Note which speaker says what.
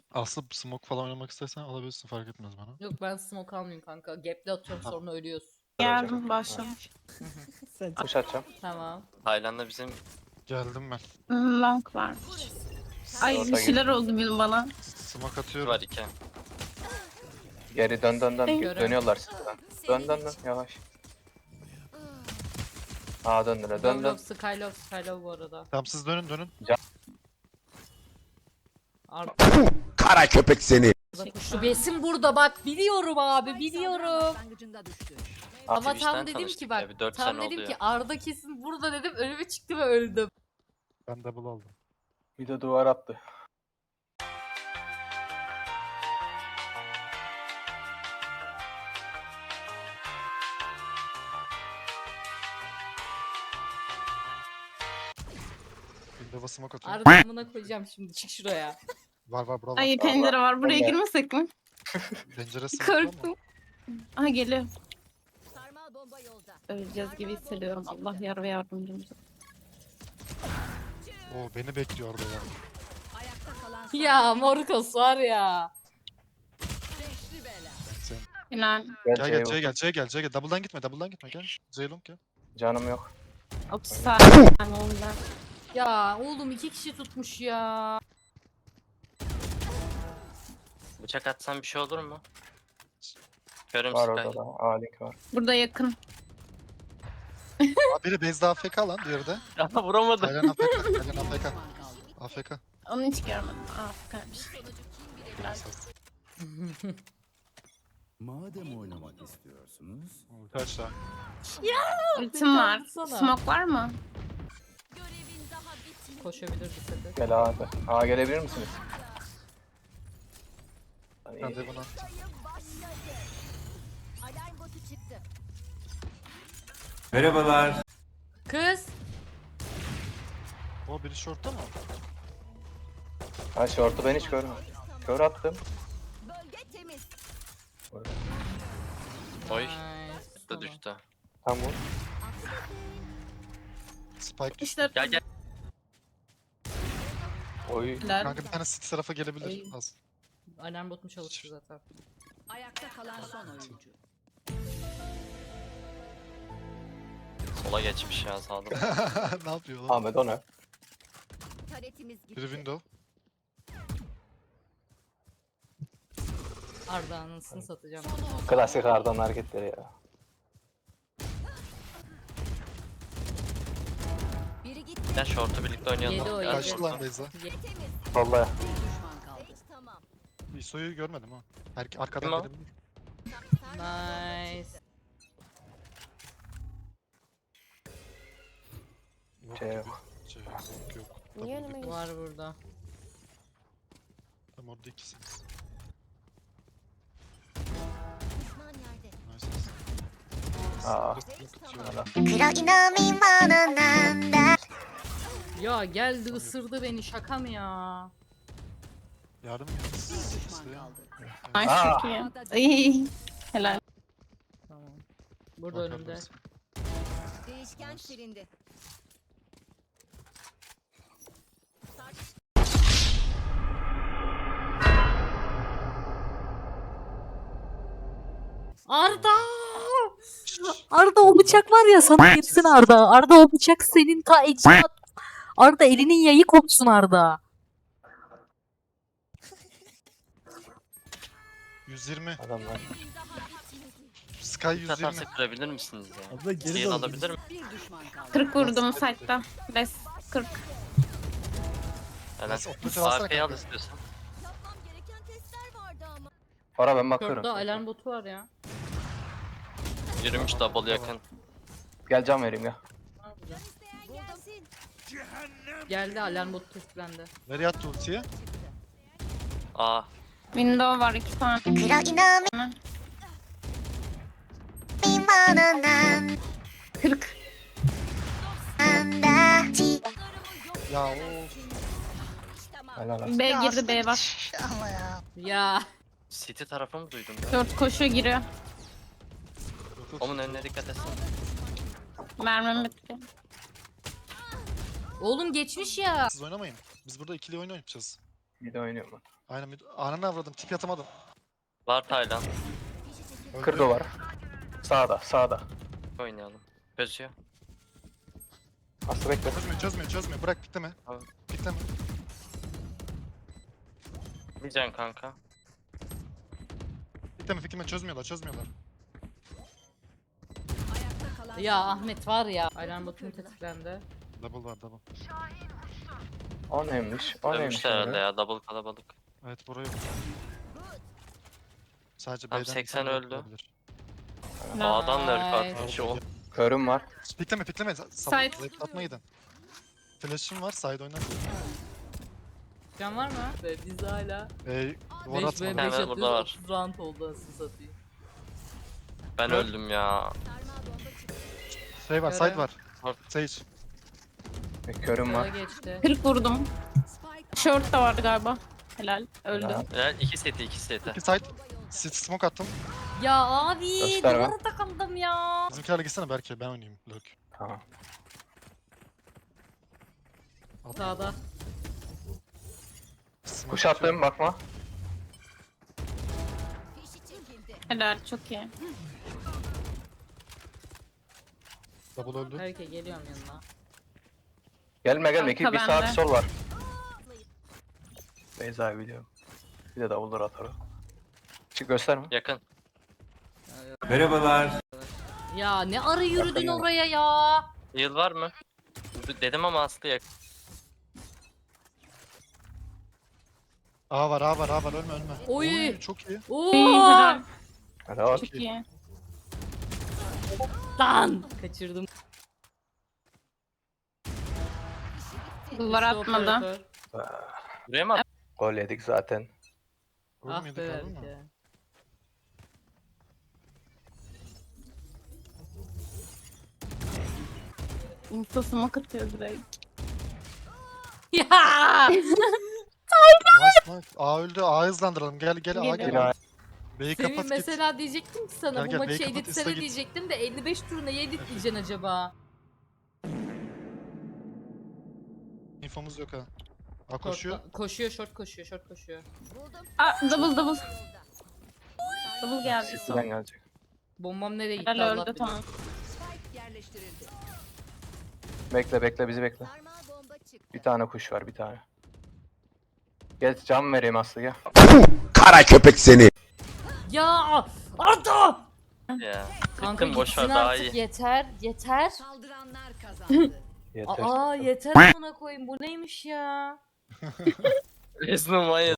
Speaker 1: Aslında smoke falan oynamak istersen alabilirsin, fark etmez bana.
Speaker 2: Yok ben smoke almayayım kanka. Gap'le atıyorum sonra ölüyorsun.
Speaker 3: Geldim başlamış.
Speaker 4: Kuş atacağım.
Speaker 2: Tamam.
Speaker 5: Tayland'da bizim
Speaker 1: Geldim ben.
Speaker 3: Long var. Ay
Speaker 4: Orta
Speaker 3: bir şeyler oldu bil bana.
Speaker 1: Smoke atıyorum.
Speaker 5: var 2.
Speaker 4: Geri dön.
Speaker 2: Görüyorum.
Speaker 4: Dönüyorlar sizden. Dön yavaş. Aa döndüre dön.
Speaker 2: Love Skylove bu arada.
Speaker 1: Tamam siz dönün.
Speaker 6: Kara köpek seni.
Speaker 2: Şu besim burada bak biliyorum abi biliyorum. Ama
Speaker 5: Twitch'ten
Speaker 2: tam dedim
Speaker 5: tanıştık
Speaker 2: ki
Speaker 5: ya,
Speaker 2: bak
Speaker 5: bir 4
Speaker 2: tam
Speaker 5: sene
Speaker 2: dedim
Speaker 5: oluyor.
Speaker 2: ki Arda kesin burada dedim önüme çıktı ve öldüm.
Speaker 1: Ben double aldım.
Speaker 4: Bir de duvar attı.
Speaker 1: Windows'a smoke atıyorum.
Speaker 2: Arda amına koyacağım şimdi çık şuraya.
Speaker 1: Var buralar.
Speaker 3: Ay pencere var. Buraya
Speaker 4: Ben de.
Speaker 3: girmesek mi?
Speaker 1: Pencere smoke var mı?
Speaker 3: Korktum. Aha geliyor.
Speaker 7: Sarmal bomba yolda.
Speaker 3: Öleceğiz gibi hissediyorum. Allah yar ve yardımcımız.
Speaker 1: Oo beni bekliyor orada ya.
Speaker 7: Ayakta kalan
Speaker 2: Ya Morkos var ya.
Speaker 7: beşli bela.
Speaker 1: Sen...
Speaker 3: Final.
Speaker 1: Gel C'ye gel. Double'dan gitme gel. Ceylon gel.
Speaker 4: Canım yok.
Speaker 3: 30 saniye oldu.
Speaker 2: Ya oğlum 2 kişi tutmuş ya.
Speaker 5: Bıçak atsan bir şey olur mu? Körüm
Speaker 4: Var
Speaker 5: Sky.
Speaker 4: orada da. A-Link var.
Speaker 3: Burada yakın.
Speaker 1: Aa, biri base'de AFK lan, diğeri de.
Speaker 5: Aha vuramadı.
Speaker 1: Taylan AFK. AFK.
Speaker 3: Onu hiç görmedim. Aa kalmış.
Speaker 6: Madem oynamak istiyorsunuz.
Speaker 1: Kaç daha?
Speaker 3: Ultim var.
Speaker 2: Atsana.
Speaker 3: Smoke var mı?
Speaker 7: Görevin daha bitmedi.
Speaker 2: Koşabilir dikkat et.
Speaker 4: Gel A hadi. A gelebilir misiniz? Hani
Speaker 1: Ben de bunu attım.
Speaker 7: Sayım başladı. Alarm botu çıktı.
Speaker 2: Kız.
Speaker 1: O biri short'ta mı?
Speaker 4: Ha short'u ben hiç görmedim. Kör attım.
Speaker 7: Bölge temiz.
Speaker 5: Oy.
Speaker 2: Nice.
Speaker 5: Da düştü.
Speaker 4: Tam vur.
Speaker 1: Spike düştü.
Speaker 3: İşte
Speaker 5: Gel.
Speaker 4: Oy.
Speaker 1: Kanka bir tane city tarafa gelebilir.
Speaker 2: Ay.
Speaker 1: Az.
Speaker 2: Alarm botum çalıştı zaten.
Speaker 7: Ayakta kalan son oyuncu.
Speaker 5: Sola geçmiş ya sağda.
Speaker 1: Ne yapıyor lan?
Speaker 4: Ahmet o ne?
Speaker 7: Taretimiz gitti.
Speaker 1: Biri window.
Speaker 2: Arda anasını satacağım.
Speaker 4: Klasik Arda'nın hareketleri ya.
Speaker 7: Biri gitti.
Speaker 5: Gel short'u birlikte oynayalım.
Speaker 2: Yedi o,
Speaker 5: Gel
Speaker 2: yedi.
Speaker 1: Kaçtı
Speaker 5: short.
Speaker 1: lan Beyza.
Speaker 7: Temiz.
Speaker 4: Vallahi.
Speaker 7: Düşman kaldı. Hiç tamam.
Speaker 1: İso'yu görmedim ha.
Speaker 5: Kim
Speaker 1: Arkadan
Speaker 5: o?
Speaker 1: gelebilir.
Speaker 2: Nice.
Speaker 1: Yok.
Speaker 4: Şey yok.
Speaker 1: Yok.
Speaker 3: Niye
Speaker 1: Double
Speaker 3: önüme
Speaker 1: yok.
Speaker 2: Var burada.
Speaker 1: Tam orada ikisiniz.
Speaker 7: Düşman yerde.
Speaker 1: Nice.
Speaker 4: Aa.
Speaker 2: Ya geldi ısırdı beni şaka mı ya?
Speaker 1: Yardım mı?
Speaker 3: Ay
Speaker 4: Aa.
Speaker 3: çok iyi. Ay. Helal.
Speaker 2: Tamam. Burada önümde.
Speaker 7: Değişken silindi.
Speaker 2: Arda! Arda o bıçak var ya sana girsin Arda. Arda o bıçak senin ta ecdat. Arda elinin yayı kopsun Arda.
Speaker 1: 120.
Speaker 4: Adamlar.
Speaker 1: Sky 120.
Speaker 5: Atarsa kırabilir misiniz ya?
Speaker 6: Abla geri
Speaker 5: Heal
Speaker 6: dal.
Speaker 5: alabilir mi?
Speaker 7: Bir düşman kaldı.
Speaker 3: 40 vurdum site'da. Res 40.
Speaker 5: Helal.
Speaker 1: Neyse, operatör alsana
Speaker 5: AFK'yi al
Speaker 1: kanka.
Speaker 5: istiyorsan.
Speaker 7: Yapmam gereken testler vardı ama.
Speaker 4: Ora ben bakıyorum.
Speaker 2: Şurada alarm botu var ya.
Speaker 5: Yürümüş double yakın.
Speaker 4: Gel can vereyim ya.
Speaker 7: İsteyen gelsin.
Speaker 2: Geldi alarm botu tetiklendi.
Speaker 1: Nereye attı ultiyi?
Speaker 5: Aa.
Speaker 3: Window var 2 tane. 40.
Speaker 1: Ya o.
Speaker 4: Helal olsun.
Speaker 3: B girdi B var.
Speaker 2: Ya.
Speaker 5: City tarafı mı duydum ben?
Speaker 3: 4 koşuyor giriyor.
Speaker 5: Onun önüne dikkat etsin.
Speaker 3: Mermim bitti.
Speaker 2: Oğlum geçmiş ya.
Speaker 1: Siz oynamayın. Biz burada ikili oyun oynayacağız.
Speaker 4: Bir de oynuyorum ben.
Speaker 1: Aynen ananı avradım. Tip atamadım.
Speaker 5: Var Taylan.
Speaker 1: Öldü.
Speaker 4: Kırdı var. Sağda.
Speaker 5: Oynayalım. Çözüyor.
Speaker 4: Aslı bekle.
Speaker 1: Çözmüyor. Bırak pikleme.
Speaker 5: Tamam.
Speaker 1: Pikleme.
Speaker 5: Bir can kanka.
Speaker 1: Pikleme. Çözmüyorlar.
Speaker 2: Ya Ahmet var ya. Alarm botum tetiklendi.
Speaker 1: Double var.
Speaker 4: O neymiş? O neymiş?
Speaker 5: Dönmüşler herhalde
Speaker 4: öyle?
Speaker 5: ya. Double kalabalık.
Speaker 1: Evet burayı. Sadece
Speaker 5: Tamam,
Speaker 1: B'den
Speaker 5: 80
Speaker 1: bir tane
Speaker 5: öldü.
Speaker 1: olabilir.
Speaker 5: A'dan da ırk
Speaker 2: Nice.
Speaker 5: atmış o.
Speaker 4: Körüm var.
Speaker 1: Pikleme.
Speaker 3: Side.
Speaker 1: Atma gidin. Flash'ım var. Side oynar.
Speaker 2: Can var mı? Ve biz hala
Speaker 1: Duvar
Speaker 2: 5
Speaker 1: atma.
Speaker 2: ve 5
Speaker 5: Hemen
Speaker 2: atıyoruz.
Speaker 5: burada var.
Speaker 2: 30 round oldu asıl satayım.
Speaker 5: Ben
Speaker 1: Öl.
Speaker 5: öldüm ya.
Speaker 7: Sarmal bomba çıktı.
Speaker 1: Şey var.
Speaker 2: Göre.
Speaker 1: Side var.
Speaker 5: Var.
Speaker 1: Sage.
Speaker 4: Körüm var.
Speaker 2: Kara geçti.
Speaker 3: 40 vurdum.
Speaker 7: Spike
Speaker 3: Short da vardı galiba. Helal. Öldü.
Speaker 4: Helal.
Speaker 5: Ya 2 seti.
Speaker 1: İki side. Smoke attım.
Speaker 2: Ya abi
Speaker 4: Gösterme.
Speaker 2: duvara takıldım ya.
Speaker 1: Bizimkilerle gitsene Berke. Ben oynayayım. Lurk.
Speaker 4: Tamam.
Speaker 2: Sağda.
Speaker 1: Smoke
Speaker 4: Kuş attım bakma.
Speaker 7: fişi çekildi.
Speaker 3: Helal çok iyi.
Speaker 1: Double öldü.
Speaker 2: Herke geliyorum yanına.
Speaker 4: Gelme.
Speaker 3: Kanka
Speaker 4: Bir sağ
Speaker 3: bende.
Speaker 4: bir sol var. Beyza biliyorum. Bir de davulları atar o. Çık gösterme.
Speaker 5: Yakın.
Speaker 2: Ya ne ara yürüdün
Speaker 4: Yakın yana.
Speaker 2: oraya ya.
Speaker 5: Yıl var mı? Dedim ama Aslı yakın.
Speaker 1: A var. Ölme.
Speaker 2: Oy.
Speaker 1: Çok iyi.
Speaker 2: Oo.
Speaker 3: Helal.
Speaker 4: Hadi var.
Speaker 3: Çok iyi.
Speaker 2: Lan. Kaçırdım.
Speaker 3: Duvar atmadı.
Speaker 2: Operatör.
Speaker 5: Buraya mı at?
Speaker 4: Gol yedik zaten.
Speaker 1: Gol
Speaker 2: Ah
Speaker 1: mü yedik
Speaker 2: be
Speaker 1: abi mi?
Speaker 2: Herke.
Speaker 3: Insta smoke atıyor direkt.
Speaker 2: Ya.
Speaker 1: Nice. A öldü. A hızlandıralım. Gel A
Speaker 3: Geliyorum.
Speaker 1: gel.
Speaker 4: Yine
Speaker 1: B'yi
Speaker 2: Senin
Speaker 1: kapat git.
Speaker 2: mesela diyecektim ki sana
Speaker 1: Gel,
Speaker 2: bu
Speaker 1: gel,
Speaker 2: maçı
Speaker 1: B'yi kapat,
Speaker 2: editsene
Speaker 1: iste git.
Speaker 2: diyecektim de 55 turuna neye editleyeceksin acaba?
Speaker 1: İnfomuz yok ha. A koşuyor.
Speaker 2: Koşuyor, short koşuyor.
Speaker 7: Buldum.
Speaker 3: Aa double.
Speaker 7: Yolda.
Speaker 3: Double geldi.
Speaker 4: City'den gelecek.
Speaker 2: Bombam nereye gitti
Speaker 3: Helal
Speaker 2: Allah
Speaker 3: öldü
Speaker 2: bilir.
Speaker 3: tamam.
Speaker 7: Spike yerleştirildi.
Speaker 4: Bekle bizi bekle.
Speaker 7: Sarmal bomba çıktı.
Speaker 4: Bir tane kuş var bir tane. Gel cam vereyim Aslı gel.
Speaker 6: Kara köpek seni.
Speaker 2: Ya Arda!
Speaker 5: Ya.
Speaker 2: Kanka
Speaker 5: Gittim boş
Speaker 2: gitsin
Speaker 5: ver daha
Speaker 2: artık
Speaker 5: iyi.
Speaker 2: yeter.
Speaker 7: Saldıranlar kazandı.
Speaker 4: Yeter.
Speaker 2: Aa yeter ona koyayım bu neymiş ya?
Speaker 5: Resmen manyak.